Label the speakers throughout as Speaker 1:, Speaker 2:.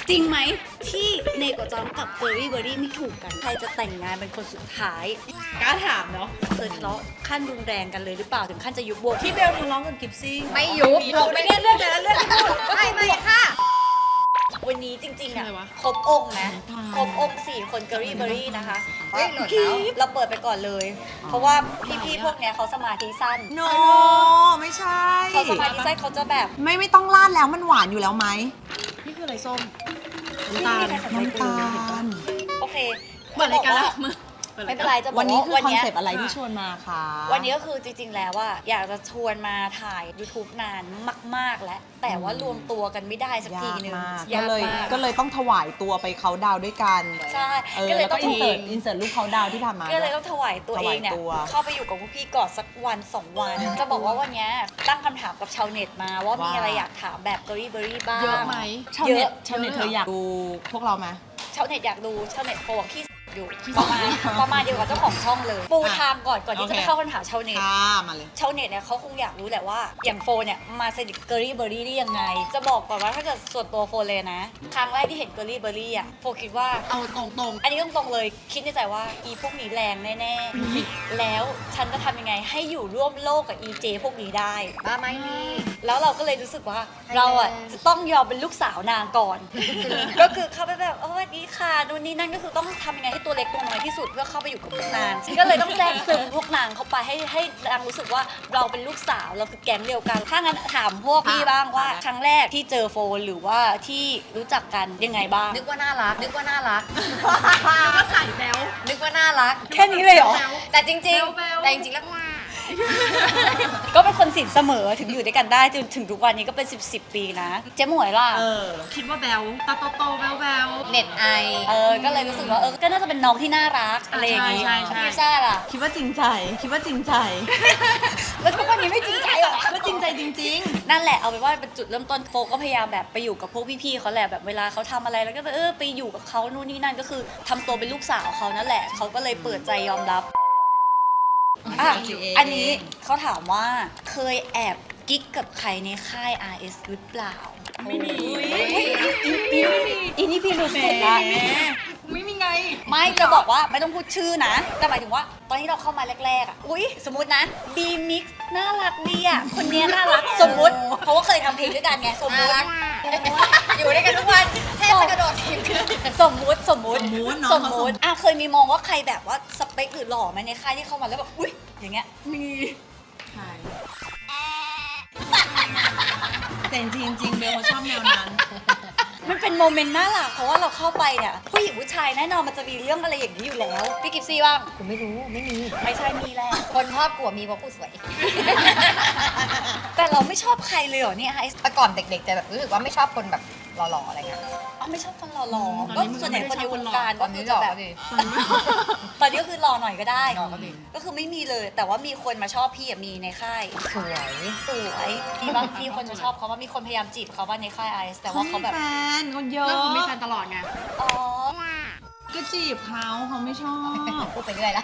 Speaker 1: จริงไหมที่เนโกะจองกับเบอร์รี่ไม่ถูกกันใครจะแต่งงานเป็นคนสุดท้ายกล้าถามเนาะเคยทะเลาะขั้นรุนแรงกันเลยหรือเปล่าถึงขั้นจะยุบวงที่เบลทะเลาะกับกิฟซี่
Speaker 2: ไม่ยุบ
Speaker 1: เราไม่ได้เรื่องนั้นเรื่องที่พูด
Speaker 2: ไม่ค่ะ
Speaker 1: วันนี้จริงๆอ่ะครบองค์นะครบองค์4คนเกอรี่เบอรี่นะคะเราเปิดไปก่อนเลย เพราะว่าพี่ๆพวกเนี้ยเขาสมาธิสั้น
Speaker 3: โนไม่ใช่
Speaker 1: เขาสมาธิสั้นเขาจะแบบ
Speaker 3: ไม่ต้องราดแล้วมันหวานอยู่แล้วไหม
Speaker 1: นี่คืออะไรส้ม
Speaker 3: น้ำตาล
Speaker 1: โอเค
Speaker 2: เปิดรายการแล้ว
Speaker 1: ไม่เป็นไรจะบอก
Speaker 3: วันนี้คือ
Speaker 1: ว่า
Speaker 3: คอนเซปต์อะไรที่ชวนมาคะ
Speaker 1: วันนี้ก็คือจริงๆแล้วว่าอยากจะชวนมาถ่าย YouTube นานมากๆแล้วแต่ว่ารวมตัวกันไม่ได้สักทีนึง
Speaker 3: ก็เลยต้องถวายตัวไปเขาดาวด้วยกัน
Speaker 1: ใช่
Speaker 3: ก็เลยต้องอินเสิร์ต
Speaker 1: อิน
Speaker 3: รูปเขาดาวที่ทำมา
Speaker 1: ก็เลยต้องถวายตัวเองเนี่ย
Speaker 3: ถวายตัว
Speaker 1: เข้าไปอยู่กับพวกพี่ก่อนสักวัน2 วัน จะบอกว่าวันนี้ตั้งคำถามกับชาวเน็ตมาว่ามีอะไรอยากถามแบบเบอรี่บ้าง
Speaker 2: เยอะไหม
Speaker 3: ชาวเน็ตเธออยากดูพวกเราไหม
Speaker 1: ชาวเน็ตอยากดูชาวเน็ตโฟกับพี่อยู่ประมาณเดียวกับเจ้าของช่องเลยปูทางก่อนที่จะไปเข้าคำถามชาวเน็ต
Speaker 3: มาเลย
Speaker 1: ชาวเน็ตเนี่ยเขาคงอยากรู้แหละว่าอย่างโฟเนี่ยมาสนิทเกอรี่เบอรี่ได้ยังไง จะบอกก่อนว่าถ้าเกิดส่วนตัวโฟเลยนะครั้งแรกที่เห็นเกอรี่เบอรี่อ่ะโฟคิดว่า
Speaker 2: เอาตรง
Speaker 1: อันนี้ตรงๆเลยคิดในใจว่าอีพวกนี้แรงแน่ๆแล้วฉันจะทำยังไงให้อยู่ร่วมโลกกับอีเจพวกนี้ได้
Speaker 2: ๆบ้าไหมนี่
Speaker 1: แล้วเราก็เลยรู้สึกว่าเราอ่ะจะต้องยอมเป็นลูกสาวนางก่อน ก็คือเข้าไปแบบสวัสดีค่ะนู่นนี่นั่นก็คือต้องทำยังไงให้ตัวเล็กตัวน้อยที่สุดเพื่อเข้าไปอยู่กับพวกนางก็เลยต้องแทรกซึมพวกนางเข้าไปให้นางรู้สึกว่าเราเป็นลูกสาวเราคือแก๊งเดียวกันถ้างั้นถามพวกพี่บ้างว่าครั้งแรกที่เจอโฟนหรือว่าที่รู้จักกันยังไงบ้าง
Speaker 2: นึกว่าน่ารัก
Speaker 1: ใส่แบล
Speaker 2: นึกว่าน่ารัก
Speaker 1: แค่นี้เลยเหรอ
Speaker 2: แต่จริงๆแต่จริงๆแล้ว
Speaker 1: ก็เป็นคนสินเสมอถึงอยู่ด้วยกันได้จนถึงทุกวันนี้ก็เป็น10 ปีนะเจ๊หมวยล่ะ
Speaker 4: คิดว่าแบลตาโตแบล
Speaker 2: เน็ตไอ
Speaker 1: ก็เลยรู้สึกว่าก็น่าจะเป็นน้องที่น่ารักอะไรอย่างงี้
Speaker 4: ใช่
Speaker 1: พี่ซ่าล่ะ
Speaker 3: คิดว่าจริงใจ
Speaker 1: แล้วทุกวันนี้ไม่จริงใจหรอ
Speaker 3: ก็จริงใจจริง
Speaker 1: นั่นแหละเอาไปนว่าเป็นจุดเริ่มต้นโฟก็พยายามแบบไปอยู่กับพวกพี่ๆเขาแหละแบบเวลาเขาทำอะไรแล้วก็ไปอยู่กับเขานู่นนี่นั่นก็คือทำตัวเป็นลูกสาวเขานั่นแหละเขาก็เลยเปิดใจยอมรับอันนี้เขาถามว่าเคยแอบกิ๊กกับใครในค่าย RS หรือเปล่าไม่มีอีนี่พี่รู้สึกอะ
Speaker 4: ไม่มีไง
Speaker 1: ไม่จะบอกว่าไม่ต้องพูดชื่อนะแต่หมายถึงว่าตอนที่เราเข้ามาแรกๆอ่ะอุ้ยสมมตินะบีมิกน่ารักดีอ่ะคนเนี้ยน่ารักสมมติเพราะว่าเคยทำเพลงด้วยกันไงสมมติ
Speaker 2: อยู่ด้วยกันทุกวันแทบจะกระโดดทีมกัน
Speaker 1: สมมติ
Speaker 3: สมมุติเนอะ
Speaker 1: สมมติเคยมีมองว่าใครแบบว่าสเปคหรือหล่อไหมในค่ายที่เข้ามาแล้วแบบอุ้ยอย่างเงี้ยมี
Speaker 3: แต่จริงเบลเขาชอบแนวนั้น
Speaker 1: มันเป็นโมเมนต์น่ารักเพราะว่าเราเข้าไปเนี่ยผู้หญิงผู้ชายแน่นอนมันจะมีเรื่องอะไรอย่างนี้อยู่แล้วพี่กิฟซี่บ้าง
Speaker 2: ผมไม่รู้ไม่มี
Speaker 1: ไม่ใช่มีแหละ
Speaker 2: คนชอบกลัวมีเพราะกูสวย
Speaker 1: แต่เราไม่ชอบใครเลยเหรอเนี่ยไอซ์
Speaker 2: แต่ก่อนเด็กๆจะแบบรู้สึกว่าไม่ชอบคนแบบหล่อๆอะไรเงี้ย
Speaker 1: ไม่ชอบคนหล่อๆ
Speaker 4: ต
Speaker 1: ก็
Speaker 4: อนนี้
Speaker 1: ส่วนใหญ่คนในวงการ
Speaker 2: ต
Speaker 1: ก็
Speaker 2: อน
Speaker 1: คื
Speaker 2: นี้
Speaker 1: อ
Speaker 2: ห
Speaker 1: จะ
Speaker 2: ล่อ
Speaker 1: แบบ
Speaker 2: ดิ
Speaker 1: ตอนนี้ก็คือหล่อหน่อยก็ได้
Speaker 2: หล่อก็ดี
Speaker 1: ก็คือไม่มีเลย แต่ว่ามีคนมาชอบพี่อะมีในค่าย
Speaker 2: สวย
Speaker 1: สวยมีบางทีคนจะชอบเขาว่ามีคนพยายามจีบเขาว่าในค่ายไอซ์แต่ว่าเขาแบบ
Speaker 3: แฟนเขาเย
Speaker 4: ๆ
Speaker 3: อะ
Speaker 4: แล้วเขามีแฟนตลอดไง
Speaker 1: อ๋อ
Speaker 3: ก็จีบเขาไม่ชอบ
Speaker 2: พูดไปเรื่อยละ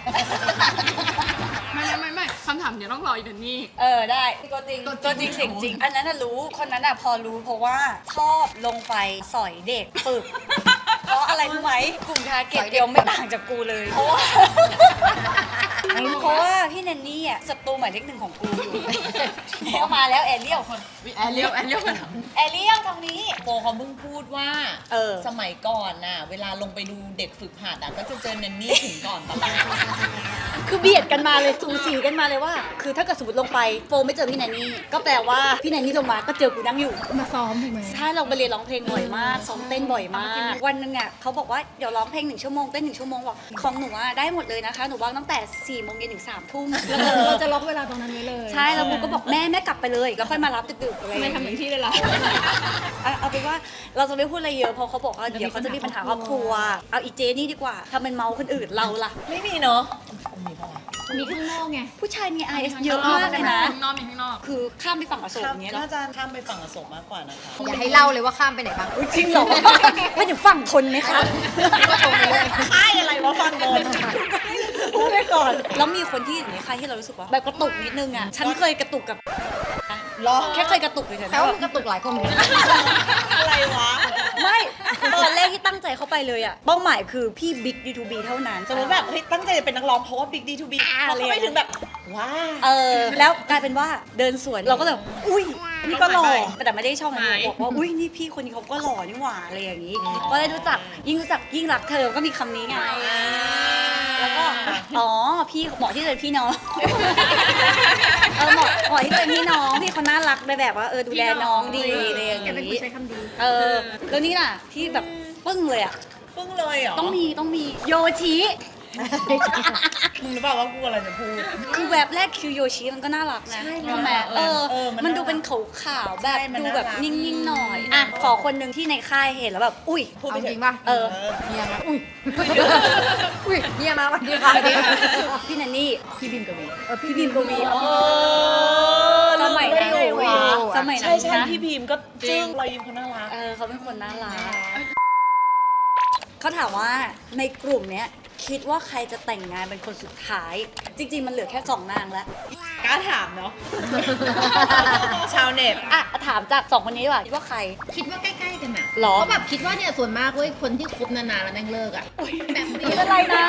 Speaker 4: ไม่คำถามเดี๋ยวต้องรออีกเดือนนี้
Speaker 1: ได้ตัวจริงตัวจริงเสียงจริง อันนั้นน่ะรู้คนนั้นน่ะพอรู้เพราะว่าชอบลงไปสอยเด็กฝึก เพราะอะไรรู้ไหมกลุ่มทาร์เก็ตเดียวไม่ต่างจากกูเลย เพราะว่าพี่แนนนี่อ่ะศัตรูหมายเลข 1ของกูอยู่แล้วมาแล้วแอเรียล
Speaker 3: แอเรียล
Speaker 1: แอเรียลทางนี้
Speaker 3: โปเขาเพิ่งพูดว่า สมัยก่อนน่ะ เวลาลงไปดูเด็กฝึกหัดอ่ะก็จะเจอแนนนี่ถึงก่อนตลอด
Speaker 1: คือเบียดกันมาเลยสูสีกันมาเลยว่า คือถ้าเกิดสมมติลงไปโฟไม่เจอพี่แนนนี่ก็แปลว่าพี่แนนนี่ลงมาก็เจอกูนั่งอยู่
Speaker 4: มาซ้อมถูกไหม
Speaker 1: ใช่เราไปเรียนร้องเพลงบ่อยมากซ้อมเต้นบ่อยมาก วันหนึงอ่ะเขาบอกว่าเดี๋ยวร้องเพลง1 ชั่วโมงเต้น1 ชั่วโมงบอกของหนูอ่ะได้หมดเลยนะคะหนูว่างตั้งแต่4 โมงเย็นถึง3 ทุ่ม
Speaker 4: เราจะล็อกเวลาตรงนั้นไว้เลย
Speaker 1: ใช่แล้วกูก็บอกแม่กลับไปเลยแล้วค่อยมารับดึกๆอะไร
Speaker 4: ไม่ทำอย่างที่เลยล่ะ
Speaker 1: เอาเป็นว่าเราจะไม่พูดอะไรเยอะเพราะเขาบอกว่าเดี๋ยวเขาจะมีปัญหาครอบครัวเอาอีเจนี่ดีกว่าทำเป็นเมาคนอื่นเราล่ะ
Speaker 3: ไม่มีเนาะ
Speaker 4: มีข้างนอกไง
Speaker 1: ผู้ชายมี IS เยอะมากเลยนะ
Speaker 4: ข้างนอกมีข้างนอก
Speaker 1: คือข้ามไปฝั่งอโศกอย่างเงี้ยเหรอ
Speaker 3: น่าจะข้ามไปฝั่งอโศกมากกว่านะคะ
Speaker 2: อย่าให้เล่าเลยว่าข้ามไปไหนบ้าง
Speaker 1: จริงเหรอไม่ถึงฝั่งทนไหมคะ
Speaker 3: ค่ายอะไรวะฟังโดน
Speaker 1: พูดไปก่อน แล้วมีคนที่อยู่ในค่ายที่เรารู้สึกว่าแบบกระตุกนิดนึงอ่ะ ฉันเคยกระตุกกับ
Speaker 3: รอ
Speaker 1: แค่เคยกระตุกเฉยๆ
Speaker 2: แต่
Speaker 1: นะ
Speaker 2: ว่ามันกระตุกหลายคนเหมือนกัน
Speaker 3: อะไรวะ
Speaker 1: ไม่ไปเลยอะเป้าหมายคือพี่บิ๊ก D2B เท่านั้น
Speaker 3: สมมติแบบเฮ้ยตั้งใจจะเป็นนักร้องเพราะว่า Big D2B พอเขาไปถึงแบบว้า
Speaker 1: แล้วกลายเป็นว่าเดินสวนเราก็แบบอุ้ยนี่ก็หล่อแต่ไม่ได้ชอบมันบอกว่าอุ้ยนี่พี่คนนี้เขาก็หล่อนี่หว่าอะไรอย่างนี้ก็ได้รู้จักยิ่งรักเธอก็มีคำนี้ไงแล้วก็พี่เหมาะที่จะเป็นพี่น้องเหมาะที่จะเป็นพี่น้องพี่เขาน่ารักไปแบบว่าดูแลน้องดีอะไรอย่าง
Speaker 4: แกเป็นคน
Speaker 1: นี้
Speaker 4: ใช้คำดี
Speaker 1: แล้วนี่น่ะที่แบบปึ้งเลยอ่ะ
Speaker 3: ปึ้งเลยเหรอ
Speaker 1: ต้องมีโยชิ
Speaker 3: มึงรู้เปล่าว่ากูอะไรจะพูด
Speaker 1: คือแวบแรกคิวโยชิมันก็น่ารักนะใช่ไหมมันดูเป็นขาวๆแบบ
Speaker 3: ใช่มัน
Speaker 1: ดูแบบ
Speaker 3: น่ารัก
Speaker 1: นิ่งๆหน่อยอ่ะขอคนหนึ่งที่ในค่ายเห็นแล้วแบบอุ้ย
Speaker 3: พูดไป
Speaker 2: เอา
Speaker 3: เถ
Speaker 2: จริง
Speaker 3: อะ
Speaker 2: ป่ะ เฮียมาอุ้ยเฮียมาวันดีค่ะ
Speaker 1: พี่นันนี่
Speaker 4: พี่บิมกวี
Speaker 1: พี่บีมกวี สมัยนั้น
Speaker 3: เลย
Speaker 1: สมัยนั้น
Speaker 3: ใช่
Speaker 1: นะ
Speaker 3: พี่บีมก็จึ้งรอยยิ้มเขาน่ารัก
Speaker 1: เขาเป็นคนน่ารักเขาถามว่าในกลุ่มเนี้ยคิดว่าใครจะแต่งงานเป็นคนสุดท้าย จริงๆมันเหลือแค่2 นางแล้ว
Speaker 3: กล้าถามเนาะ ชาวเน็ต
Speaker 1: อ่ะถามจาก2 คนนี้ดีกว่าคิดว่าใคร
Speaker 4: คิดว่าใกล้ๆกันอะ
Speaker 1: หรอ
Speaker 4: เพราะแบบคิดว่าเนี่ยส่วนมากเว้ยคนที่คบนานๆแล้วแม่งเลิกอะแบบเดียว
Speaker 1: อะไรนะ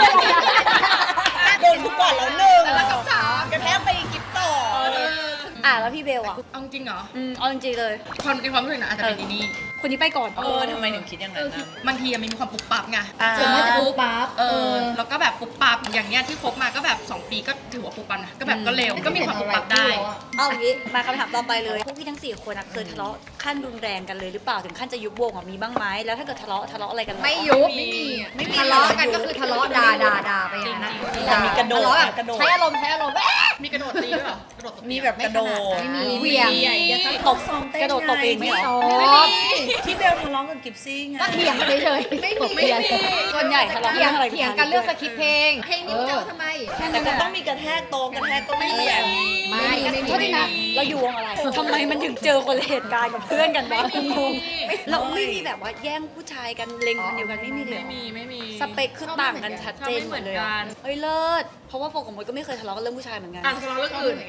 Speaker 3: โดนกูก่อนแล้วหนึ่งกระแทกไปกิ๊บต่อ
Speaker 1: แล้วพี่เบลอ่ะ
Speaker 5: เอาจริงเหรอ
Speaker 1: เอาจริงๆเลย
Speaker 5: ความในความรู้สึกนะอาจจะเป็นอีนี่
Speaker 1: คนนี้ไปก่อน
Speaker 3: ทำไมถึงคิดอย่างนั้นนะ
Speaker 5: บางทีมันมีความปุบปับไง
Speaker 4: ส่วนมากจะปุ๊บปั๊บ
Speaker 5: แล้วก็แบบปุบปับอย่างเงี้ยที่คบมาก็แบบ2 ปีก็ถือว่าปุบปับนะก็แบบก็เร็วก็มีความปุบปับได้
Speaker 1: เอาอย่างนี้มาคำถามต่อไปเลยพวกพี่ทั้ง4 คนเคยทะเลาะขั้นรุนแรงกันเลยหรือเปล่าถึงขั้นจะยุบวงมีบ้างไหมแล้วถ้าเกิดทะเลาะอะไรกัน
Speaker 2: ไม่ยุบ
Speaker 5: ไม่มี
Speaker 2: ทะเลาะกันก็คือทะเลาะด่าไปอย่างนั้น
Speaker 3: แต่มีกระโดด
Speaker 2: ทะเลาะแบบ
Speaker 3: กระโดด
Speaker 2: ใช้อารมณ์
Speaker 5: มีกระโดดตีด้วยเหรอกระโดดตบ
Speaker 3: มีแบบกระโดด
Speaker 2: ไม่มีเหวี่ยง
Speaker 1: ตบกระโดดตบเองไม่เหรอ
Speaker 3: ที่เบลทะเลาะกับกิฟซี่ไง
Speaker 2: ก็เถียงกันเฉยๆไม่มี
Speaker 1: ส่วนใหญ่ทะเลาะ
Speaker 2: เถีย
Speaker 1: เรื่อง งอะไร
Speaker 2: เถียงกันเรื่องสคริปต์เพลง
Speaker 4: เพลงนี้มันจะเอาทำไม
Speaker 3: แต่ก็ต้องมีกระแทกโตะกระแทกก็ไม่มีแบบนี้
Speaker 2: ไม่มี
Speaker 1: โทษทีนะเราอยู่วงอะไรทำไมมันถึงเจอคนละเหตุการณ์กับเพื่อนกันวะงงเราไม่มีแบบว่าแย่งผู้ชายกันเล็งคนเดียวกันไม่มีเลยเหรอ
Speaker 5: ไม่มี
Speaker 1: สเปคคือต่างกันชัดเจนหมดเลยอะเฮ้ยเลิศเพราะว่าโฟกับมดก็ไม่เคยทะเลาะกันเรื่องผู้ชายเหมือนกัน
Speaker 5: ทะเลาะเรื่องอื่น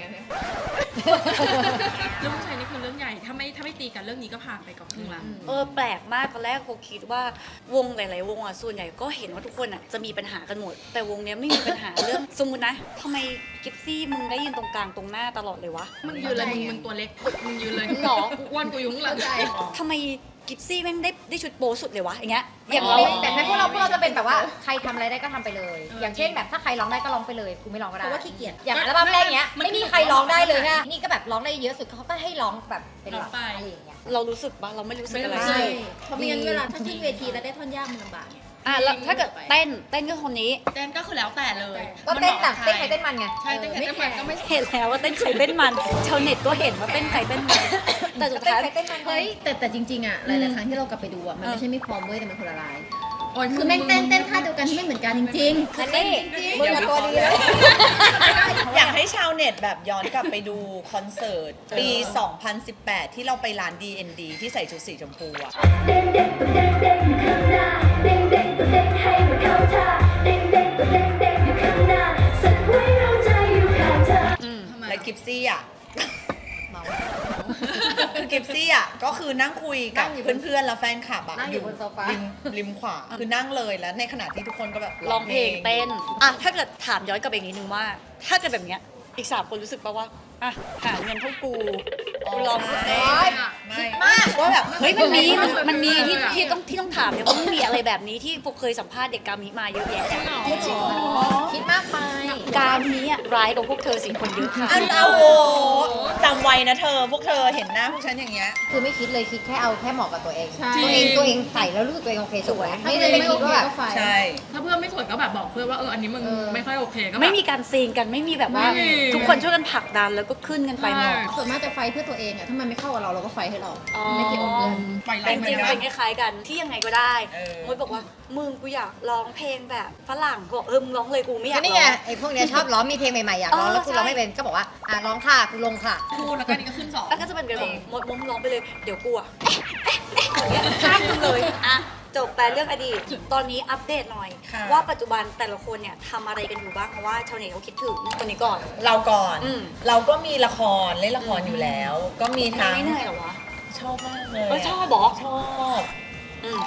Speaker 5: เรื่องผู้ชายนี่คือเรื่องใหญ่ถ้าไม่ตีกันเรื่องนี้ก็ผ่านไปกับครึ่งละ
Speaker 1: แปลกมากตอนแรกโฟคิดว่าวงหลายๆวงอ่ะส่วนใหญ่ก็เห็นว่าทุกคนอ่ะจะมีปัญหากันหมด แต่วงเนี้ยไม่มีปัญหาเรื่องสมมุตินะทำไมกิฟซี่มึงได้ยืนตรงกลางตรงหน้าตลอดเลยวะ
Speaker 5: มึงยืนเลยมึงตัวเล็กมึงยืนเลย
Speaker 1: หรอ
Speaker 5: กูอ้วนกูยุ่งหลัง
Speaker 1: ทำไมกิฟซี่แม่งได้ชุดโป๊สุดเลยวะอย่างเงี้ยอย่าง
Speaker 2: เรา
Speaker 1: เรา
Speaker 2: แต่ในพวกเราจะเป็นแบบว่าใครทำอะไรได้ก็ทำไปเลย อย่างเช่นแบบถ้าใครร้องได้ก็ร้องไปเลยกูไม่ร้องก็ได้
Speaker 4: เพราะว่าขี้เกียจ
Speaker 2: อย่างอัลบั้มแรกเนี้ยไม่มีใครร้องได้เลยนะนี่ก็แบบร้องได้เยอะสุดเขาก็ให้ร้องแบบเป็นหลักอะไรอย่างเงี้ย
Speaker 1: เรารู้สึกปะเราไม่รู้สึกอะไร
Speaker 4: ใช่เพราะไม่งั้นเวลาถ้าขึ้นเวทีแล้วได้ท่อนยากมันลำบากไง
Speaker 1: แล้วถ้าเกิดเต้นก็คนนี้
Speaker 5: เต้นก็คือแล้วแต่เลย
Speaker 2: ก็เต้นต่างเต้นใครเต้นมันไง
Speaker 5: ใช่เต้นใครเต้นมันก็ไม่
Speaker 1: เห็นแล้วว่าเต้นใครเต้นมันชาวเน็ตก็เห็นว่าเต้นใครเต้นมันแต่สุด
Speaker 2: เต้น
Speaker 1: ท้าย
Speaker 2: ใครเต้นมัน
Speaker 4: เฮ้ยแต่จริงๆอะหลายๆครั้งที่เรากลับไปดูอะมันไม่ใช่ไม่พร้อมเว้ยแต่มันคนละลาย
Speaker 5: โอ้ย
Speaker 4: คือแม่งเต้นท่าเดียวกันที่ไม่เหมือนกันจริง
Speaker 2: อันนี้มึงกับตัวดีเลย
Speaker 3: อยากให้ชาวเน็ตแบบย้อนกลับไปดูคอนเสิร์ตปี 2018 ที่เราไปร้าน DND ที่ใส่ชุดสีชมพูอะ
Speaker 6: เด้งเด้งตัวเด้งเด้งอยู่ข้างหน้าเด้งเด้งตัวเด้งให้มันเข้าท่าเด้งเด้งตัวเด้งเด้งอยู่ข้างหน้าสักไว้เราใจอยู่ข้างเธอ
Speaker 3: และกิฟซี่อ่ะคือกิฟซี่อ่ะก็คือนั่งคุยกับเพื่อนๆแล้วแฟนคลับอ่ะ
Speaker 2: นั่งอยู่บนโซฟา
Speaker 3: ริมขวาคือนั่งเลยแล้วในขณะที่ทุกคนก็แบบ
Speaker 1: ร้องเพลงเต้นถ้าเกิดถามย้อนกลับไปอีกนิดนึงว่า ถ้าเกิดแบบเนี้ยอีก3 คนรู้สึกป่ะว่าหาเงินเท่ากูร้องเพลง
Speaker 3: ไม่มากว่าแบบ
Speaker 1: เฮ้ยมันมีที่ต้องถามเนี่ยว่ามันมีอะไรแบบนี้ที่พวกเคยสัมภาษณ์เด็กกามิมาเยอะแยะ
Speaker 2: คิดมากไป
Speaker 1: กามิอ่ะร้ายกว่าพวกเธอ4 คนเยอะค่ะ
Speaker 3: เอาโหจำไว้นะเธอพวกเธอเห็นหน้าพวกฉันอย่างเงี้ย
Speaker 2: คือไม่คิดเลยคิดแค่เอาแค่เหมาะกับตัวเอง
Speaker 4: ใช่
Speaker 2: ตัวเองใส่แล้วรู้สึกตัวเองโอเคสวย
Speaker 4: ๆ
Speaker 2: ไม่ได้ไปคิดว่าแบบ
Speaker 4: ไฟ
Speaker 3: ใช่
Speaker 5: ถ้าเพื่อนไม่สวยก็แบบบอกเพื่อนว่าอันนี้มึงไม่ค่อยโอเคก็แบบ
Speaker 1: ไม่มีการซีนกันไม่มีแบบว่า
Speaker 5: ไม่มี
Speaker 1: ทุกคนช่วยกันผลักดันแล้วก็ขึ้นกันไปหมด
Speaker 4: ส่วนมากจะไฟเพื่อตัวเองอะถ้ามันไม่เข้ากับเราเราก็ไฟให้เรา
Speaker 1: อ๋อ
Speaker 4: ไม่เกี่ยวกับเพื่อน
Speaker 5: ไป
Speaker 1: แต่จริงๆมันเป็นคล้ายๆกันที่ยังไงก็ได้
Speaker 3: เออ
Speaker 1: มดบอกว่ามึงกูอยากร้องเพลงแบบฝรั่งกูบอกมึงร้องเลยกูไม่อยา
Speaker 2: ก็
Speaker 1: ก
Speaker 2: นี่
Speaker 1: ร้
Speaker 2: ไง
Speaker 1: อง
Speaker 2: ไอ้พวกเนี้ยชอบร้องมีเพลงใหม่ๆอยากร้องแล้วคุณร้องไม่เป็นก็บอกว่าร้องค่ะคุณลงค่ะ
Speaker 5: คู่แล้วก็นี่ก็ขึ้น2
Speaker 1: แล้วก็จะเป็นกันบอกมดร้องไปเลยเดี๋ยวกูอะอย่างเงี้ยข้ามมึงเลยจบไปเรื่องอดีตตอนนี้อัปเดตหน่อย
Speaker 3: ค่ะ
Speaker 1: ว่าปัจจุบันแต่ละคนเนี่ยทำอะไรกันอยู่บ้างเพราะว่าชาวเน็ตเขาคิดถึงคนนี้ก่อน
Speaker 3: เราก่อน
Speaker 1: อืม
Speaker 3: เราก็มีละครเล่นละครอยู่แล้ว ก็มีทั้ง
Speaker 1: ไม่เหนื่อยเหรอวะ
Speaker 3: ชอบมากเลย
Speaker 1: ชอบบอก
Speaker 3: ชอบ
Speaker 1: อืม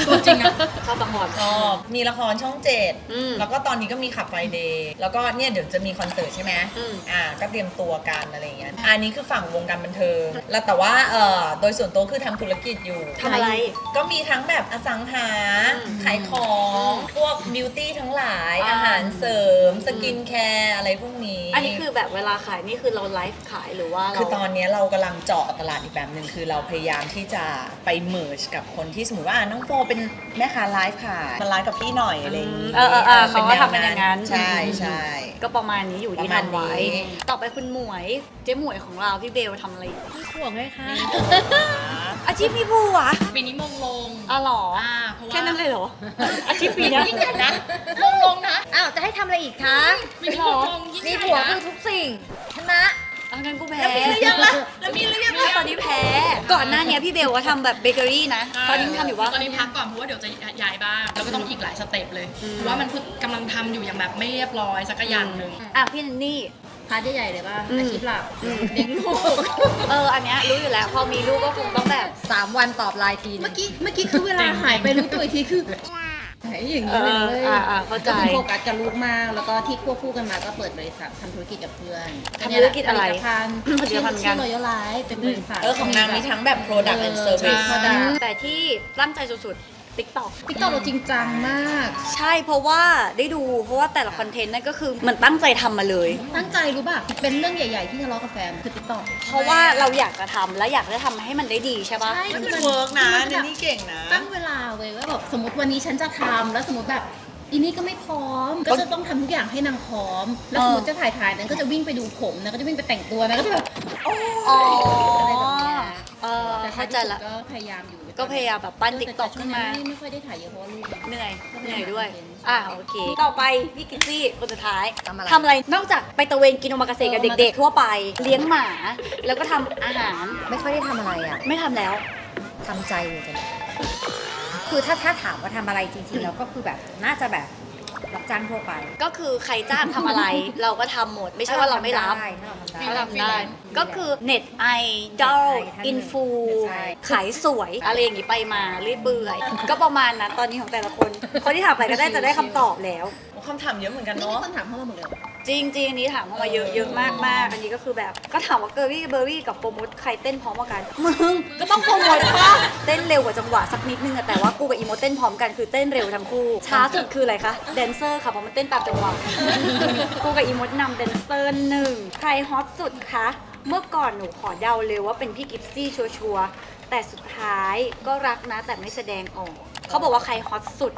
Speaker 5: ตัวจริงอะ
Speaker 1: ชอบละคร
Speaker 3: ชอบมีละครช่องเจ็ด
Speaker 1: อืม
Speaker 3: แล้วก็ตอนนี้ก็มีขับไฟเดย์แล้วก็เนี่ยเดี๋ยวจะมีคอนเสิร์ตใช่ไหม
Speaker 1: อืม
Speaker 3: ก็เตรียมตัวกันอะไรอย่างเงี้ยอันนี้คือฝั่งวงการบันเทิงแล้วแต่ว่าโดยส่วนตัวคือทำธุรกิจอยู่
Speaker 1: ทำอะไร
Speaker 3: ก็มีทั้งแบบอสังหา
Speaker 1: อืม
Speaker 3: ขายของพวกบิวตี้ทั้งหลาย
Speaker 1: อ่า
Speaker 3: อาหารเสริม สกินแคร์อะไรพวกนี้
Speaker 1: อันนี้คือแบบเวลาขายนี่คือเราไลฟ์ขายหรือว่าเรา
Speaker 3: คือตอนนี้เรากำลังเจาะตลาดอีกแบบหนึ่งคือเราพยายามที่จะไปเมิร์จกับคนที่สมมติว่าน้องโฟเป็นแม่ค้าไลฟ์ขายมาไลฟ์กับพี่หน่อยอะไรอย่างนี้
Speaker 1: เขาก็ทำเป็นอย่างนั้น
Speaker 3: ใช่ใช่
Speaker 1: ก็ประมาณนี้อยู่ที่
Speaker 3: ประมาณ
Speaker 1: ทำไว้
Speaker 3: นี้
Speaker 1: ต่อไปคุณหมวยเจ๊หมวยของเราพี่เบลทำอะไรอยู่
Speaker 4: ห่วงเลยค่ะ
Speaker 1: อาชีพพี่ภูวะ
Speaker 5: ปีนี้มงลง
Speaker 1: อ๋อเหรอ
Speaker 5: เพราะว่า
Speaker 1: แค่นั้นเลยเหรอ อาชีพปีเนี้ย
Speaker 5: ยิ่งใหญ่นะมงลงนะ
Speaker 2: อ้าวจะให้ทำอะไรอีกคะ
Speaker 5: มีมงลงยิ่ง
Speaker 2: มี
Speaker 5: ใหญ่
Speaker 2: ผัว
Speaker 5: นะ
Speaker 2: คือทุกสิ่งชนะ
Speaker 1: เอางั้นกูแพ้
Speaker 5: แล้วมีหรือยังล่ะแล้วมีหรือยัง
Speaker 1: ไม่ตอนนี้แพ้ ก่อนหน้าเนี้ยพี่เบลว่าทำแบบเบเกอรี่นะ ตอนนี้ทำอยู่ว่า
Speaker 5: ตอนนี้พักก่อนเพราะว่าเดี๋ยวจะย้ายบ้านแล้วก็ต้องอีกหลายสเต็ปเลยเพราะว่ามันเพิ่งกำลังทำอยู่อย่างแบบไม่เรียบร้อยสักอย่างหนึ่ง
Speaker 1: อ่ะพี่นันนี่
Speaker 4: พาร์ทใหญ่ๆเลยป่ะ
Speaker 1: อืม
Speaker 4: อาชีพหลักเลี้ยงลูก
Speaker 1: อันเนี้ยรู้อยู่แล้ว พอมีลูกก็คงต้องแบบ
Speaker 2: 3 วันตอบไลน์ทีนึ
Speaker 4: เมื่อง กี้คือเวลาหายไปรู้ตัวอีกทีคือหายอย่างนี้เลย
Speaker 1: เข้าใจ
Speaker 4: ก็คือโฟกัสกับลูกมาก แล้วก็ที่ควบคู่กันมาก็เปิดบริษัททำธุรกิจกับเพื่อน
Speaker 1: ทำธุรกิจอะไร
Speaker 4: ผลิตภัณฑ์
Speaker 1: ผลิตภัณฑ์กัน
Speaker 4: ชื่อ Royal Life เป็นบริษัท
Speaker 3: ของนางมีทั้งแบบ product and service
Speaker 4: ใช่
Speaker 1: แต่ที่ตั้งใจสุดๆ TikTok
Speaker 4: ติ๊กต็อกเราจริงจังมาก
Speaker 1: ใช่เพราะว่าได้ดูเพราะว่าแต่ละคอนเทนต์นั่นก็คือเหมันตั้งใจทำมาเลย
Speaker 4: ตั้งใจรู้ป่ะ เป็นเรื่องใหญ่ๆที่ทะเลาะกับแฟนคือติ๊กต็อก
Speaker 1: เพราะว่าเราอยากจะทำและอยากจะทำให้มันได้ดีใช่ปะ
Speaker 4: ใช่
Speaker 3: มันเวิร์กนะเนนี่เก่งนะ
Speaker 4: ตั้งเวลาไว้ว่าแบบสมมติวันนี้ฉันจะทำแล้วสมมติแบบอีนี่ก็ไม่พร้อม ก็จะต้องทำทุกอย่างให้นางพร้อม แล้วสมมติจะถ่ายนั้นก็จะวิ่งไปดูผมนะก็จะวิ่งไปแต่งตัวนะก็จะแบบ
Speaker 1: อ๋อ
Speaker 4: อะไรแบบเนี้ย
Speaker 1: เข้า
Speaker 4: ท้ย
Speaker 1: ใจ
Speaker 4: ที่สุด
Speaker 1: ละ
Speaker 4: ก็พยายามอยู่
Speaker 1: ก็พยายามแบบปั้น TikTok ขึ้นมา
Speaker 4: ไม่ค่อยได้ถ่ายเยอะเพราะว่าลูก
Speaker 1: เหนื่อยด้วย
Speaker 4: ใช่
Speaker 1: โอเค ต่อไปพี่กิซซี่คนสุดท้าย
Speaker 2: ทำอะไร
Speaker 1: ทำอะไรนอกจากไปตะเวนกินโอมากาเสะกับเด็กๆ ทั่วไปเลี้ยงหมา แล้วก็ทำอาหาร
Speaker 2: ไม่ค่อยได้ทำอะไรอ่ะ
Speaker 1: ไม่ทำแล้ว
Speaker 2: ทำใจอยู่ตอนนี้คือถ้าถามว่าทำอะไรจริงๆแล้วก็คือแบบน่าจะแบบรับจ้างทั่วไป
Speaker 1: ก็คือใครจ้างทำอะไร เราก็ทำหมด ไม่ใช่ว่าเราไม่รับ
Speaker 2: ถ้าเราทำได้
Speaker 1: เขาทำได้ ก็คือเน็ตไอดอล
Speaker 2: ใช่
Speaker 1: อินฟู
Speaker 2: ใช่
Speaker 1: ขายสวย อะไรอย่างนี้ไปมาเรื่อยเปื่อยก็ประมาณนั้นตอนนี้ของแต่ละคน คนที่ถามไปก็ได้จะได้คำตอบแล้ว
Speaker 3: คำถามเยอะเหมือนกัน
Speaker 4: นี่มี
Speaker 3: เนาะ
Speaker 4: คนถามเข้ามาหมดเลย
Speaker 1: จริงๆอันนี้ถามเข้ามาเยอะมากมากๆอันนี้ก็คือแบบก็ถามว่าเบอร์รี่กับโฟร์มูดใครเต้นพร้อมกันมึงก็ต้องโฟร์มูดป่ะเต้นเร็วกว่าจังหวะสักนิดนึงอะแต่ว่ากูกับอีโมเต้นพร้อมกันคือเต้นเร็วทั้งคู่ช้าสุดคืออะไรคะแดนเซอร์ค่ะเพราะมันเต้นตามจังหวะกูกับอีโมนำแดนเซอร์หนึ่งใครฮอตสุดคะเมื่อก่อนหนูขอเดาเลยว่าเป็นพี่กิฟซี่ชัวร์ๆแต่สุดท้ายก็รักนะแต่ไม่แสดงออกเขาบอกว่าใครฮอตสุด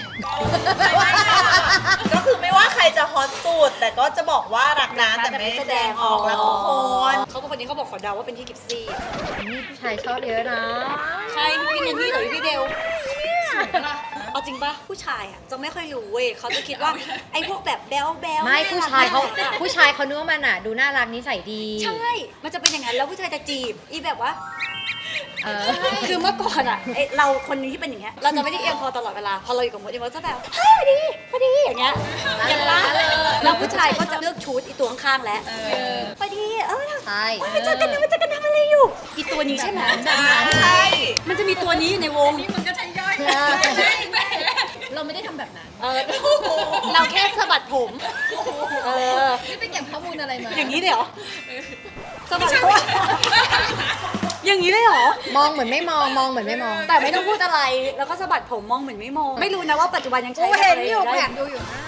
Speaker 3: ก็คือไม่ว่าใครจะฮอตสุดแต่ก็จะบอกว่ารักนะแต่ไม่แสดงออกแล้วทุกคน
Speaker 1: เขาเป็นคนนี้เขาบอกขอเดาว่าเป็นพี่กิฟซี่
Speaker 2: นี่ผู้ชายชอบเยอะนะ
Speaker 1: ใช่พี่เนนนี่หรือพี่เบลเอาจริงปะผู้ชายอ่ะจะไม่ค่อยรู้เว้ยเขาจะคิดว่าไอ้พวกแบบแบลแบล
Speaker 2: ไม่ผู้ชายเขานึกว่ามันอ่ะ ดูน่ารักนิสัยดี
Speaker 1: ใช่ มันจะเป็นอย่างนั้นแล้วผู้ชายจะจีบอีแบบว่า
Speaker 2: เออ
Speaker 1: คือเมื่อก่อนอ่ะเราคนนึงที่เป็นอย่างเงี้ยเราจะไม่ได้เอียงคอตลอดเวลาพอเราอยู่กับมดเราจะแบบเฮ้ยพอดีอย่างเงี้ยเห็นปะแล้วผู้ชายก็จะเลือกชุดอีตัวข้างๆแล้วพอดี
Speaker 2: ใช่
Speaker 1: มันจะกันทำอะไรอยู่อีตัวนี้ใช่ไหม
Speaker 3: ใช่
Speaker 1: มันจะมีตัวนี้อยู่ในวง
Speaker 5: นี่มันก็ใช้ย่อย
Speaker 4: เราไม่ได้ทำแบบนั้น
Speaker 1: เราแค่สะบัดผม
Speaker 4: นี่ไปเก็บข้อมูลอะไรมา
Speaker 1: อย่างนี้เลยเหรอสะบัดผมอย่างนี้เลยเหรอ
Speaker 2: มองเหมือนไม่มองเหมือนไม่มอง
Speaker 1: แต่ไม่ต้องพูดอะไร แล้วก็สะบัดผมมองเหมือนไม่มอง ไม่รู้นะว่าปัจจุบันยังใช้
Speaker 2: กูเห็นอยู่
Speaker 1: ได้
Speaker 2: แอบดูอยู่นะ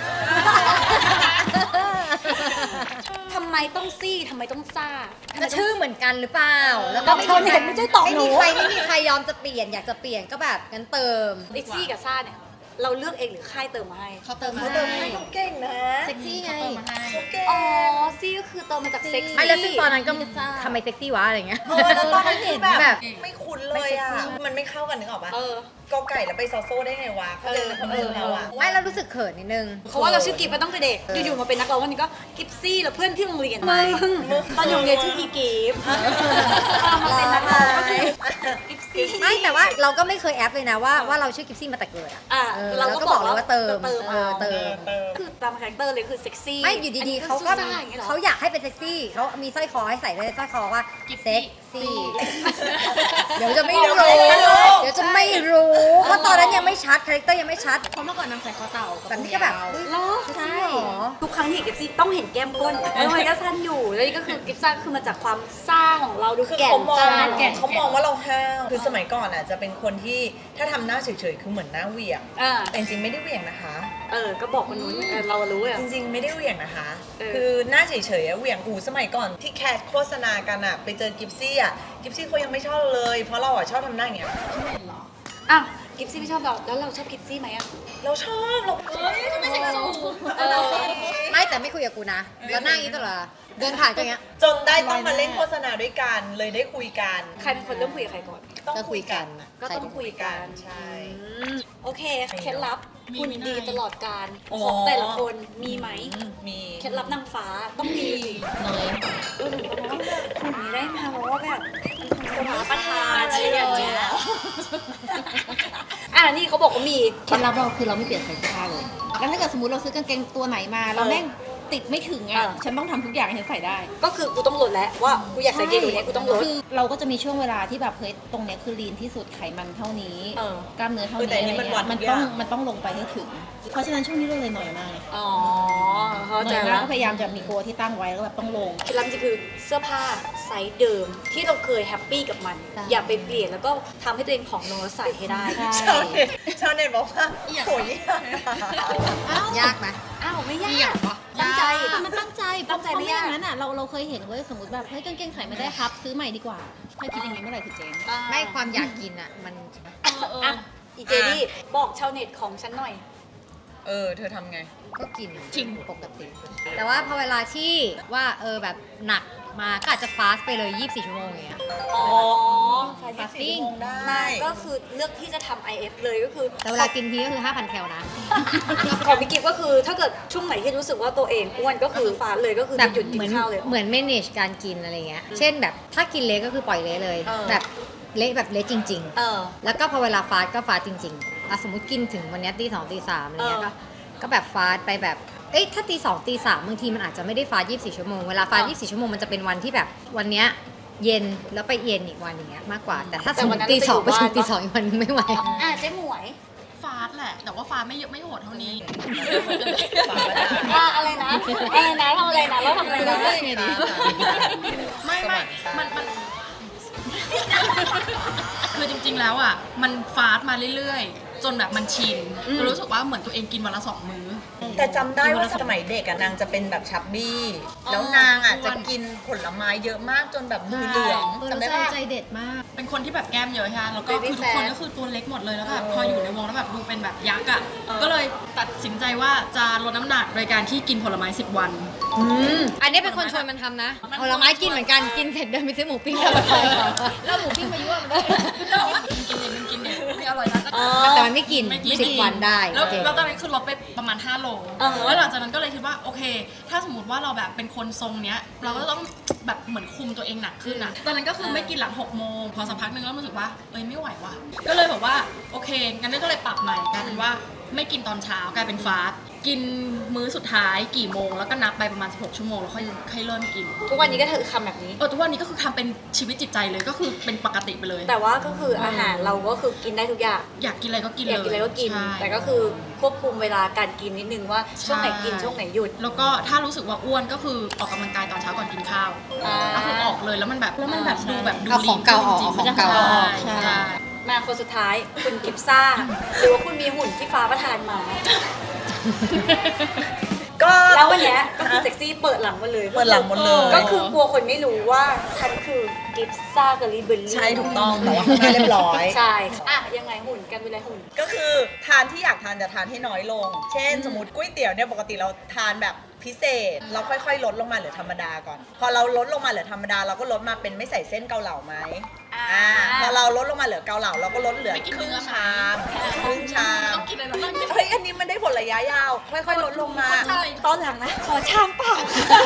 Speaker 1: ทำไมต้องซี่ทำไมต้องซ่า
Speaker 2: ก็ชื่อเหมือนกันหรือเปล่า แล้วก็
Speaker 1: ก็ชาวเน็ตไม่ใช่ตอบหนู
Speaker 2: ไม่มีใครยอมจะเปลี่ยนอยากจะเปลี่ยนก็แบบงั้นเติม
Speaker 1: ไอซี่กับซ่าเนี่ย เราเลือกเองหรือค่ายเติมมาให้
Speaker 5: เขาเติมมา
Speaker 3: เขาเติมให้เขาเก่งนะ
Speaker 2: เซ็กซี่ไง
Speaker 3: เขาเก่ง
Speaker 1: อ๋อ ซี่ก็คือเติมมาจากเซ็กซี่
Speaker 2: ไม่แล้วซึ่งตอนนั้นก็ทำไมเซ็กซี่วะอะไรเงี้ย
Speaker 3: แล้วตอนนั้นคือแบ
Speaker 2: แบบ บ
Speaker 3: ไม่คุ้นเลยอ่ะ มันไม่เข้ากันนึกออกปะ กอไก่แล้วไปซอโซ่ได้ไงวะเขาเลยคนอื่นเราอ่ะ
Speaker 2: ไม่แล้วรู้สึกเขินนิดนึง
Speaker 1: เพราะว่าเราชื่อกิฟต์มาตั้งแต่เด็ก อยู่ๆมาเป็นนักร้องวันนี้ก็กิฟซี่แล้วเพื่อนที่โรงเรียนมึงตอนอยู่โรงเรียนชื่อพี่กิฟต์มาเป็นนักร้องก็คือกิฟซี่
Speaker 2: ไม่แต่ว่าเราก็ไม่เคยแอปเลยนะว่าเราชื่อกิฟซี่มาแต่เกิดอะ
Speaker 1: อ่ะ
Speaker 2: เราก็บอกเลยว่าเติม
Speaker 1: เติม
Speaker 2: เติม
Speaker 1: คือตามคาแรคเตอร์เลยคือเซ็กซี่
Speaker 2: ไม่อยู่ดีๆเขาก็
Speaker 1: ซ่าอย่างเงี้ยเหรอ
Speaker 2: เขาอยากให้เป็นเซ็กซี่เขามีสร้อยคอให้ใส่ด้วยสร้อยคอว่าเซ็กซี่เดี๋ยวจะไม่รู้ เดี๋ยวจะไม่รู้ว่าตอนนั้นยังไม่ชัดคาแรคเตอร์ยังไม่ชัด
Speaker 4: เพราะเมื่อก่อนนางใส่คอเต่า
Speaker 2: แบบนี้ก็แบบเฮ้ย
Speaker 1: เหรอ
Speaker 2: ใช่
Speaker 1: เหรอทุกครั้งที่เห็นกิฟซี่ต้องเห็นแก้มก้นแล้วมันก็สั้นอยู่แล้วนี่ก็คือกิฟซ่าคือมาจากความซ่าของเราดู
Speaker 3: คือ
Speaker 1: แก่น
Speaker 3: เขามอง
Speaker 1: จ้าน
Speaker 3: เขามองว่าเราห้าวคือสมัยก่อนอ่ะจะเป็นคนที่ถ้าทำหน้าเฉยๆคือเหมือนหน้าเหวี่ยง
Speaker 1: อ่า
Speaker 3: แต่จริงๆไม่ได้เหวี่ยงนะคะ
Speaker 1: ก็บอกคนนู้นเรารู้อ่ะ
Speaker 3: จริงๆไม่ได้เหวี่ยงนะคะ
Speaker 1: เออ
Speaker 3: คือหน้าเฉยๆอะเหวี่ยงสมัยก่อนที่แคสโฆษณากันอะไปเจอกิฟซี่อะกิฟซี่เขายังไม่ชอบเราเลย เพราะเราอะชอบทำหน้าอย่างเงี้ย
Speaker 1: อ้าวกิฟซี่ไม่ชอบเราแล้วเราชอบกิฟซี่ไหมอ่ะ
Speaker 3: เราชอบเราไม่ใช่สู
Speaker 2: ไม่แต่ไม่คุยกับกูนะ แล้วนั่งอย่างนี้ตลอดเดินผ่านก็อย่างเงี้ย
Speaker 3: จนได้ต้องมาเล่นโฆษณาด้วยกันเลยได้คุยกัน
Speaker 1: ใครเป็นคนเริ่มคุยกับใครก่อน
Speaker 3: ต้อง
Speaker 2: ก็คุยกันอะ
Speaker 1: ก็ต้องคุยกัน
Speaker 3: ใช่
Speaker 1: โอเคเคล็ดลับคุณดีตลอดการ
Speaker 3: อ๋อ
Speaker 1: ของแต่ละคนมีไหม
Speaker 3: มี
Speaker 1: เคล็ดลับนางฟ้าต้องมีสิ
Speaker 4: เลย
Speaker 1: คุณนี้ได้มาเพราะว่าแบบเป็นคนสมาประทานอะไรอย่างเงี้ยนี่เขาบอกว่ามี
Speaker 4: เคล็ดลับเราคือเราไม่เปลี่ยนใส่เสื้อผ้าเลย แล้วถ้าเกิดสมมติเราซื้อกางเกงตัวไหนมาเราแม่งติดไม่ถึงอ่ะ ฉันต้องทำทุกอย่างให้ฉันใส่ได้
Speaker 1: ก็คือกูต้องลดแล้วว่ากูอยากใส่เกงตัวเนี้ยกูต้องลด
Speaker 4: คือเราก็จะมีช่วงเวลาที่แบบเฮ้ยตรงเนี้ยคือลีนที่สุดไขมันเท่านี้ กล้ามเนื้อเท่านี้อะไรเงี้ยมันต้องลงไปให้ถึง เพราะฉะนั้นช่วงนี้เราเลยหน่อยมากเลย
Speaker 1: อ๋อเข้า
Speaker 4: ห
Speaker 1: ใจ
Speaker 4: น่อยมา
Speaker 1: แล้
Speaker 4: ก
Speaker 1: ว
Speaker 4: ก็พยายามจะมีโกที่ตั้งไว้แล้วแบบต้องลง
Speaker 1: เคล็ดลับจริงคือเสื้อผ้าไซส์เดิมที่เราเคยแฮปปี้กับมัน
Speaker 2: ใช่
Speaker 1: อย่าไปเปลี่ยนแล้วก็ทำให้ตัวเองผอมลงแล้วใส่ให้ได้
Speaker 3: ชาวเน็ตบอกว่าโหย
Speaker 2: ยากไหม
Speaker 1: อ้าวไม่ยากตั้งใจ
Speaker 4: มันตั้งใจ
Speaker 1: ตั้งใจไม่ยาก
Speaker 4: เพระงั้นอ่ะเราเคยเห็นเว้ยสมมติแบบเฮ้ยกางเกงใส่ไม่ได้ครับ ซื้อใหม่ดีกว่าถ้าคิดอย่างนี้เมื่อไหร่คือเจ๊ง
Speaker 2: ไม่ความอยากกินอ่ะมัน
Speaker 1: อ่ะอีเจดี้บอกชาวเน็ตของฉันหน่อย
Speaker 3: เธอทำไง
Speaker 2: ก็กิน
Speaker 4: จริง
Speaker 2: ปกติ แต่ว่าพอเวลาที่ว่าแบบหนักมาก็อาจจะฟาสต์ไปเลย 24 ชั่วโมงอย่างเงี้ย
Speaker 1: อ๋อ
Speaker 2: fasting
Speaker 3: ได้
Speaker 1: มาก็คือเลือกที่จะทำ IF เลยก็คือ
Speaker 2: แต่เวลากินทีก็คือ 5,000 แคลนะ
Speaker 1: ของพี่กิฟก็คือถ้าเกิดช่วงไหนที่รู้สึกว่าตัวเองอ้วนก็คือฟาสต์เลยก็คือ
Speaker 2: แบบ
Speaker 1: จะหยุดกิ
Speaker 2: เหมื
Speaker 1: น
Speaker 2: อน
Speaker 1: ข้าวเลย
Speaker 2: เหมือน manage การกินอะไรเงี้ย เช่นแบบถ้ากินเละก็คือปล่อยเละเลย แบบเละแบบเละจริง ๆ แล้วก็พอเวลาฟาสต์ก็ฟาสต์จริงๆสมมติกินถึงวันเนี้ยตี 2 ตี 3อะไรเงี้ยก็แบบฟาสต์ไปแบบถ้าตี 2 ตี 3บางทีมันอาจจะไม่ได้ฟาสต์24 ชั่วโมงเวลาฟาสต์24 ชั่วโมงมันจะเป็นวันที่แบบวันเนี้ยเย็นแล้วไปเย็นอีกวันอย่างเงี้ยมากกว่า แต่ถ้าสมมติตี 2 ไปถึงตี 2 อีกวันนึงไม่ไหว
Speaker 1: เจ๊หมวย
Speaker 5: ฟาสต์แหละ แต่ว่าฟาสต์ไม่เยอะไม่โหดเท่านี้
Speaker 1: อะไรนะทำอะไรนะเราทำอะไรนะ
Speaker 5: ไม่มันคือจริงๆแล้วอ่ะมันฟาสต์มาเรื่อยๆ จนแบบมันชินก็รู้สึกว่าเหมือนตัวเองกินวันละ2 มื้อ
Speaker 3: แต่จำได้ว่าสมัยเด็กอะนางจะเป็นแบบชับบี้ แล้วนางอะจะกินผลไม้เยอะมากจนแบบมือเหลืองจำได้
Speaker 4: เรา
Speaker 3: ปะ
Speaker 4: ใจเด็ดมาก
Speaker 5: เป็นคนที่แบบแก้มเยอะใช่ไหมแล้วก็คือทุกคนก็คือตัวเล็กหมดเลยแล้วแบบพออยู่ในวงแล้วแบบดูเป็นแบบยักษ์อ่ะ ก็เลยตัดสินใจว่าจะลดน้ำหนักโดยการที่กินผลไม้10 วัน
Speaker 2: อันนี้เป็นคนชวนมันทำนะผลไม้กินเหมือนกันกินเสร็จเดินไปซื้อหมูปิ้งแล้วมาใส่
Speaker 4: แล้วหมูปิ้งมายั่วมันด้วย
Speaker 5: มึงกินเนี่ยไม่อร่อยนะ
Speaker 2: แต่มันไม่กิน
Speaker 5: ไม่กิน
Speaker 2: 10 วันได้
Speaker 5: แล้ว
Speaker 2: โอเค
Speaker 5: ตอนนั้นคือลดไปประมาณ5 โลแล้วหลังจากนั้นก็เลยคิดว่าโอเค ถ้าสมมติว่าเราแบบเป็นคนทรงเนี้ย เราก็ต้องแบบเหมือนคุมตัวเองหนักขึ้นอ่ะตอนนั้นก็คือไม่กินหลัง6 โมงพอสักพักหนึงแล้วรู้สึกว่าไม่ไหวว่ะก็เลยแบบว่าโอเคงั้นก็เลยปรับใหม่กลายเป็นว่าไม่กินตอนเช้ากลายเป็นฟาสต์กินมื้อสุดท้ายกี่โมงแล้วก็นับไปประมาณ16 ชั่วโมงแล้วค่อยเริ่มกิน
Speaker 1: ทุกวันนี้ก็เธอทำแบบนี้
Speaker 5: ทุกวันนี้ก็คือทำเป็นชีวิตจิตใจเลยก็คือเป็นปกติไปเลย
Speaker 1: แต่ว่าก็คืออาหารเราก็คือกินได้ทุกอย่าง
Speaker 5: อยากกินอะไรก็กิน
Speaker 1: อ
Speaker 5: เลย
Speaker 1: ยากกินอะไรก็กิน
Speaker 5: ใช่
Speaker 1: แต่ก็คือควบคุมเวลาการกินนิดนึงว่าช่วงไหนกินช่วงไหนหยุด
Speaker 5: แล้วก็ถ้ารู้สึกว่าอ้วนก็คือออกกำลังกายตอนเช้าก่อนกินข้าวก็คือออกเลยแล้วมันแบบดูแบบดู
Speaker 2: เอาของเก่าออก
Speaker 5: ลีน
Speaker 2: เอาข
Speaker 5: ขึ้
Speaker 2: อน ง
Speaker 5: จริงๆ
Speaker 2: เก่าออก
Speaker 5: ใช่
Speaker 1: มาคนสุดท้ายคุณกิฟซ่า หรือว่าคุณมีหุ่นที่ฟ้าประทานมา
Speaker 3: ก็
Speaker 1: แล้ววันเนี้ยก็คือเซ็กซี่เปิดหลังมาเลย
Speaker 3: เปิดหลังหมดเลย
Speaker 1: ก็คือกลัวคนไม่รู้ว่าฉันคือกิฟซ่ากับลีเบอร์รี่
Speaker 3: ใช่ถูกต้องแต่ว่าข้างหน้าเรียบร้อย
Speaker 1: ใช่อ่ะยังไงหุ่นกันเป็นไรหุ่น
Speaker 3: ก็คือทานที่อยากทานจะทานให้น้อยลง เช่น สมมติก๋วยเตี๋ยวเนี่ยปกติเราทานแบบพิเศษ เราค่อยๆ ลดลงมาเหลือธรรมดาก่อน พอเราลดลงมาเหลือธรรมดาเราก็ลดมาเป็นไม่ใส่เส้นเกาเหลาไหมพอเราลดลงมาเหลือเกาเหลาเราก็ลดเหลือครึ่งชามครึ่งชาม
Speaker 5: ต้องกินอะไรบ้าง
Speaker 3: เฮ้ยอันนี้มันได้ผลระยะยาว ค่อยๆ ลดลงมา
Speaker 1: ตอนหลังนะ ขอชามเปล่า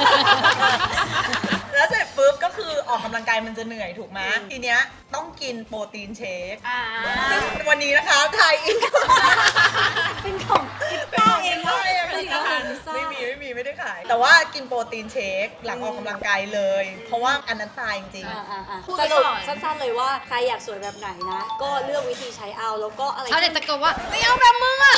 Speaker 3: แล้วเสร็จปุ๊บก็คือออกกำลังกายมันจะเหนื่อยถูกไหมทีเนี้ยต้องกินโปรตีนเชคซึ่งวันนี้นะคะไทยอิน
Speaker 1: เป็นของกิฟซ่าเอง
Speaker 3: ไม่
Speaker 1: เป็นของกิฟซ่า
Speaker 3: ไม่ได้ขายแต่ว่ากินโปรตีนเชคหลังออกกำลังกายเลย เพราะว่าอันนั้นตายจริง
Speaker 5: พูด
Speaker 1: ส
Speaker 5: ไป
Speaker 1: รุป
Speaker 5: ก่อน
Speaker 1: สั้นๆเลยว่าใครอยากสวยแบบไหนนะ ก็เลือกวิธีใช้เอาแล้วก็อะไร
Speaker 2: เขาเด็กตะโกนว่าไม่เอาแบบมึงอะ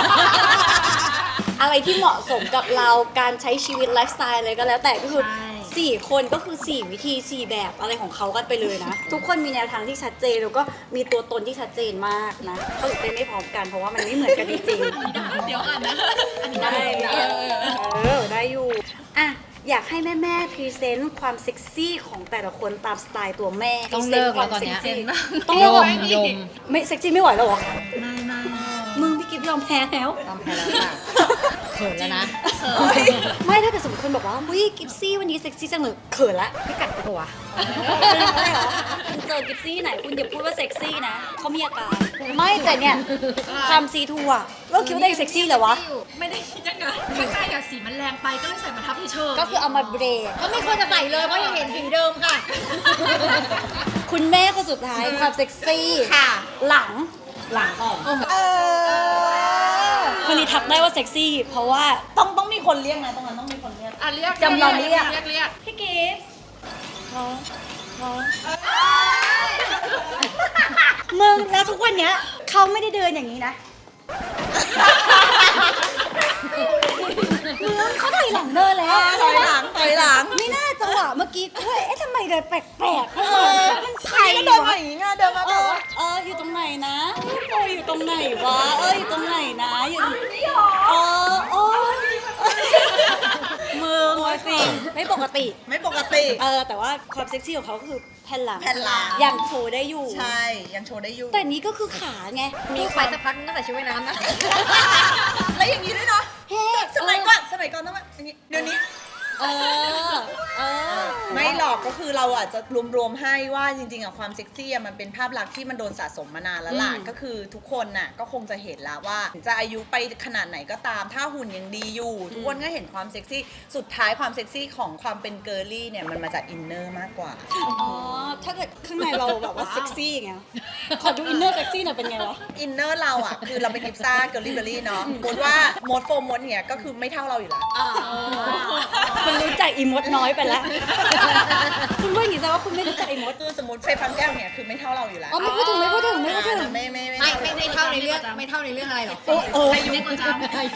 Speaker 1: อะไรที่เหมาะสมกับเราการใช้ชีวิตไลฟ์สไตล์อะไรก็แล้วแต่ก็คือ
Speaker 2: ใช่
Speaker 1: 4 คนก็คือ 4 วิธี 4 แบบอะไรของเขากันไปเลยนะ ทุกคนมีแนวทางที่ชัดเจนแล้วก็มีตัวตนที่ชัดเจนมากนะเขาถึงเป็นไม่พร้อมกันเพราะว่ามันไม่เหมือนกันจริงๆ
Speaker 5: เดี๋ยวอ่านนะ อันนี้
Speaker 1: ได้
Speaker 5: ได้
Speaker 1: ได้อยู่อ่ะอยากให้แม่ๆพรีเซนต์ความเซ็กซี่ของแต่ละคนตามสไตล์ตัวแม่
Speaker 2: ต้องเลิกแล้วตอนเนี้ย
Speaker 1: พรีเซต์ความเซ็กซี่
Speaker 2: ต้อง
Speaker 1: เลิก
Speaker 2: ยม
Speaker 1: ไม่เซ็กซี่ไม่ไหวแล้วเหรอ
Speaker 2: ไม่ไม่
Speaker 1: มึงพี่กิฟยอมแพ้แล้ว
Speaker 2: ยอมแพ้แล้วค่ะเขินแล้วนะ
Speaker 1: ไม่ถ้าเกิดสมมติคนบอกว่าวิกิฟซี่วันนี้เซ็กซี่จังเลยเขินละ
Speaker 2: พี่กัดตัว
Speaker 1: ไม่เหรอคุณเจอกิฟซี่ไหนคุณอย่าพูดว่าเซ็กซี่นะเขามีอาการไม่แต่เนี่ยความซีทูอ่ะเราคิดว่าตัวเองเซ็กซี่เหรอวะ
Speaker 5: ไม่ได้คิดยังไงข้างในอะสีมันแรงไปก็เลยใส่มาทับเฉยๆ
Speaker 1: ก็คือเอามาเบรก
Speaker 2: ก็ไม่ควรจะใส่เลยเพราะยังเห็นสีเดิมค่ะ
Speaker 1: คุณแม่คนสุดท้ายความเซ็กซี่
Speaker 3: ค่ะ
Speaker 1: หลัง
Speaker 3: เออ
Speaker 1: คนนี้ทักได้ว่าเซ็กซี่ เพราะว่า
Speaker 3: ต้องมีคนเรียกนะตรงนั้นต้องมีคนเรียก
Speaker 5: อ่ะเรียก
Speaker 1: จำลองเรียก
Speaker 5: เรียก
Speaker 1: พี่กิฟต์มึงแล้วทุกวันเนี้ยเขาไม่ได้เดินอย่างนี้นะมึงเขาถอยหลังเดินแล้ว
Speaker 3: ถอยหลัง
Speaker 1: ไม่น่าจังหวะเมื่อกี้เฮ้ยเอ๊ะทำไมเดินแปลกๆเข้า
Speaker 3: เอ
Speaker 1: มา
Speaker 3: อ
Speaker 1: มัน
Speaker 3: ใค
Speaker 1: ใค
Speaker 3: ร
Speaker 1: ร
Speaker 3: ก็เดิน
Speaker 1: วะ
Speaker 3: มาอย่างงี้ไงเดินมาแบบว่า
Speaker 1: อยู่ตรงไหนนะโออยู่ตรงไหนวะอยู่ตรงไหนนะอยู่โอ้มือจริงไม่ปกติ
Speaker 3: ไม่ปกติ
Speaker 1: แต่ว่าความเซ็กซี่ของเขาก็คือแผ่นหลัง
Speaker 3: แผ่นหลัง
Speaker 1: ยังโชว์ได้อยู่
Speaker 3: ใช่ ยังโชว์ได้อยู่
Speaker 1: แต่นี้ก็คือขาไง
Speaker 2: มีไปสักพักนึงก็ใส่ชุดว่ายน้ำนะ
Speaker 3: แล้วอย่างนี้ด้วยเนาะ
Speaker 1: เฮ้
Speaker 3: สมัยก่อนต้องแบบอย่างนี้เดี๋ยวนี้
Speaker 1: เออ
Speaker 3: ไม่หรอกก็คือเราอาจจะรวมๆให้ว่าจริงๆอะความเซ็กซี่อะมันเป็นภาพลักษณ์ที่มันโดนสะสมมานานแล้วล่ะ
Speaker 1: อืม
Speaker 3: ก็คือทุกคนน่ะก็คงจะเห็นแล้วว่าจะอายุไปขนาดไหนก็ตามถ้าหุ่นยังดีอยู่ ทุกคนก็เห็นความเซ็กซี่สุดท้ายความเซ็กซี่ของความเป็นเกิร์ลลี่เนี่ยมันมาจากอินเนอร์มากกว่า
Speaker 1: อ๋อถ้าเกิดข้างในเราแบบว่าเซ็กซี่ไงขอดูอินเนอร์เซ็กซี่หน่อยเป็นไงวะ
Speaker 3: อินเนอร์เราอะคือเราเป็นกิฟซ่าเกิร์ลลี่เบอร์รี่เนาะมดว่ามดโฟมดเนี่ยก็คือไม่เท่าเราอยู่แล้ว
Speaker 1: คุณรู้จักอีมดน้อยไปแล้ว คุณว่าอย่างนี้แสดงว่าคุณไม่รู้จักอีมด
Speaker 3: คือสมมติไฟฟังแก้วเนี่ยคือไม่เท่าเราอยู่แล้ว
Speaker 1: อ๋อไม่พูดถึง
Speaker 3: ไม่
Speaker 2: ไม่เท่าในเรื่องไม่เท่าในเรื่องอะไรหรอก
Speaker 5: อายุกว่าจ้า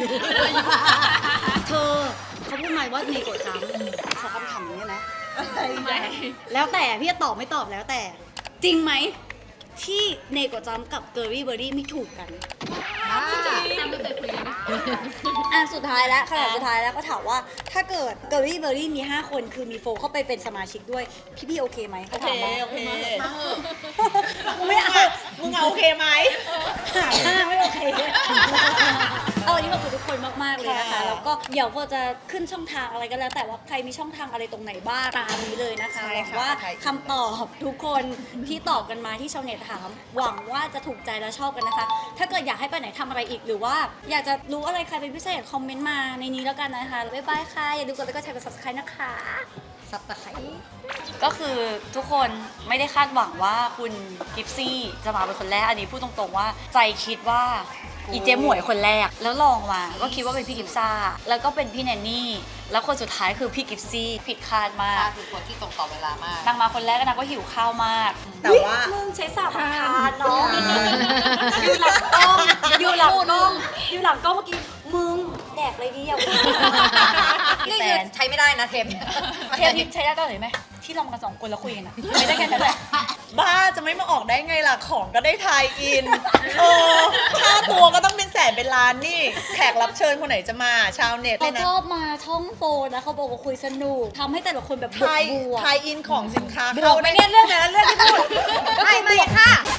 Speaker 1: เธอเขาพูดมาว่าเนโกะจังขอคำถามนี้นะ
Speaker 5: ทำไม
Speaker 1: แล้วแต่พี่จะตอบไม่ตอบแล้วแต่ จริงไหมที่เนโกะจัมกับเกอร์รี่เบอร์รี่ไม่ถูกกัน
Speaker 5: จำไม่เคยคุยเลยนะ
Speaker 1: สุดท้ายแล้วขนาดสุดท้ายแล้วก็ถามว่าถ้าเกิดเกอร์รี่เบอร์รี่มี 5 คนคือมีโฟเข้าไปเป็นสมาชิกด้วย พี่โอเคไหมเขาถามมา
Speaker 3: โอเค
Speaker 1: ไม่เอา
Speaker 3: มึงเอาโอเคไหม
Speaker 1: หาหน้าไม่โอเควันนี้ขอบคุณทุกคนมากๆเลยนะคะ
Speaker 3: ค่ะ
Speaker 1: แล้วก็เดี๋ยวพอจะขึ้นช่องทางอะไรก็แล้ว แต่ว่าใครมีช่องทางอะไรตรงไหนบ้างตามนี้เลยนะคะหวังว่าคำตอบทุกคนที่ตอบกันมาที่ชาวเน็ตถาม หวังว่าจะถูกใจและชอบกันนะคะ ถ้าเกิดอยากให้ไปไหนทำอะไรอีกหรือว่าอยากจะรู้อะไรใครเป็นพิเศษคอมเมนต์มาในนี้แล้วกันนะคะบ๊ายบายค่ะอย่าลืมกดไลค์กดแชร์กด subscribe นะคะ
Speaker 2: สับตะไคร้
Speaker 1: ก็คือทุกคนไม่ได้คาดหวังว่าคุณกิฟซี่จะมาเป็นคนแรก อันนี้พูดตรงๆว่าใจคิดว่าอีเจหมวยคนแรก แล้วลองมาก็คิดว่าเป็นพี่กิฟซ่า แล้วก็เป็นพี่แนนนี่ แล้วคนสุดท้ายคือพี่กิฟซี่ผิดคาดมาก
Speaker 2: คือคนที่ตรงต่อเวลามาก
Speaker 1: นางมาคนแรกก็นางก็หิวข้าวมาก
Speaker 3: แต่ว่า
Speaker 1: มึงใช้สาบทานเนาะอยู่หลังกล้องอยู่หลังกล้องอยู่หลังกล้องเมื่อกี้มึงแดกอะไรดีอ่ะ
Speaker 2: นี่คือใช้ไม่ได้นะเทป
Speaker 1: เทปนี้ใช้ได้ตอนไหนไหมที่เรามากัน2 คนแล้วคุยกันอะไม่ได้แค่นั้นแหละ
Speaker 3: บ้าจะไม่มาออกได้ไงล่ะ ของก็ได้ทายอิน ค่าตัวก็ต้องเป็นแสนเป็นล้านนี่ แขกรับเชิญคนไหนจะมาชาวเน็ต
Speaker 1: เขา
Speaker 3: นะ
Speaker 1: ชอบมาช่องโฟนนะเขาบอกว่าคุยสนุกทำให้แต่ละคนแบบบว
Speaker 3: ทาย
Speaker 1: กบวก
Speaker 3: ทายอินของสินค้า
Speaker 1: บว
Speaker 3: เข้าก
Speaker 1: ไหม
Speaker 3: ได้
Speaker 1: เนี่ยเรื่องนั้นเรื่องที่พูด
Speaker 2: ไม่ค่ะ